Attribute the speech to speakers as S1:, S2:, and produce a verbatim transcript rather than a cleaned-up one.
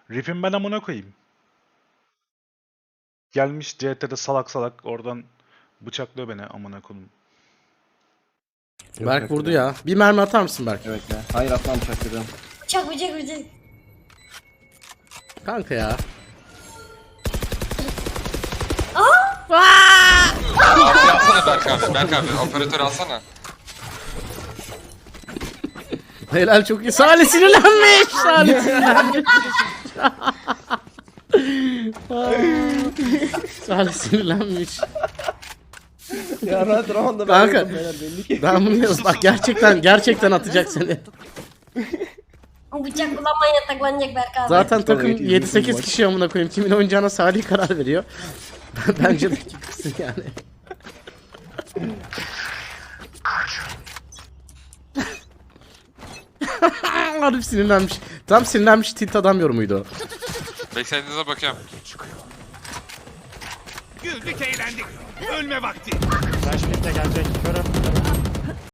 S1: Riff'in ben amına koyayım. Gelmiş C T'de salak salak oradan bıçaklıyor beni amına koyayım.
S2: Berk vurdu ya. Bir mermi atar mısın Berk?
S3: Evet be. Hayır atmam şaşırdım.
S4: Bıçak bıçak bıçak.
S2: Kanka ya.
S5: Abi alsana Berk abi. Berk abi operatör alsana.
S2: Helal çok iyi. Salih sinirlenmiş. Salih sinirlenmiş. Salih sinirlenmiş.
S3: Ya rahat duramadım da
S2: Kanka.
S3: ben beyler belli ki.
S2: Ben bunu yaz. Bak gerçekten gerçekten atacak seni.
S4: O bıçak kullanmaya yasaklanacak Berk abi.
S2: Zaten takım
S3: Evet,
S2: yedi sekiz
S3: izledim
S2: kişi amına koyayım. Kimin oynayacağına Salih karar veriyor. Bence de kızsın yani. Harbi sinirlenmiş. Tam sinirlenmiş tilt adam yorumuydu o.
S5: Backside'inize bakıyorum.
S6: Güldük eğlendik. Ölme vakti.
S7: Flash mid'de gelecek. Körüm.